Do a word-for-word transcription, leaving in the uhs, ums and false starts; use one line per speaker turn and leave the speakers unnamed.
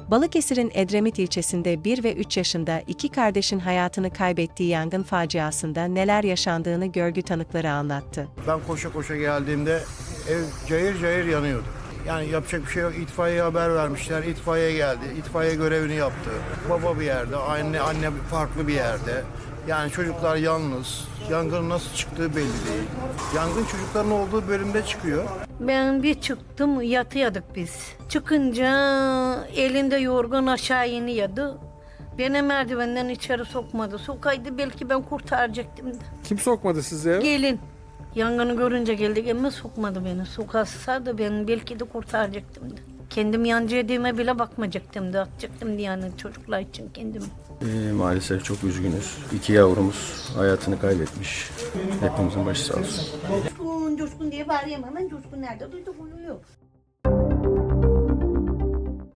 Balıkesir'in Edremit ilçesinde bir ve üç yaşında iki kardeşin hayatını kaybettiği yangın faciasında neler yaşandığını görgü tanıkları anlattı.
Ben koşa koşa geldiğimde ev cayır cayır yanıyordu. Yani yapacak bir şey yok. İtfaiyeye haber vermişler. İtfaiye geldi. İtfaiye görevini yaptı. Baba bir yerde, anne anne farklı bir yerde. Yani çocuklar yalnız. Yangının nasıl çıktığı belli değil. Yangın çocukların olduğu bölümde çıkıyor.
Ben bir çıktım, yatıyorduk biz. Çıkınca elinde yorgun aşağı iniyordu. Beni merdivenden içeri sokmadı. Sokaydı belki ben kurtaracaktım da.
Kim sokmadı sizi eve?
Gelin. Yangını görünce geldik ama sokmadı beni. Sokasa da ben belki de kurtaracaktım da. Kendim yancı yediğime bile bakmayacaktım da. Atacaktım diye yani çocuklar için kendimi.
Ee, maalesef çok üzgünüz. İki yavrumuz hayatını kaybetmiş. Hepimizin başı sağ olsun.
Coşkun, coşkun diye bağırıyorum hemen. Coşkun nerede? Duyduk uyuyor.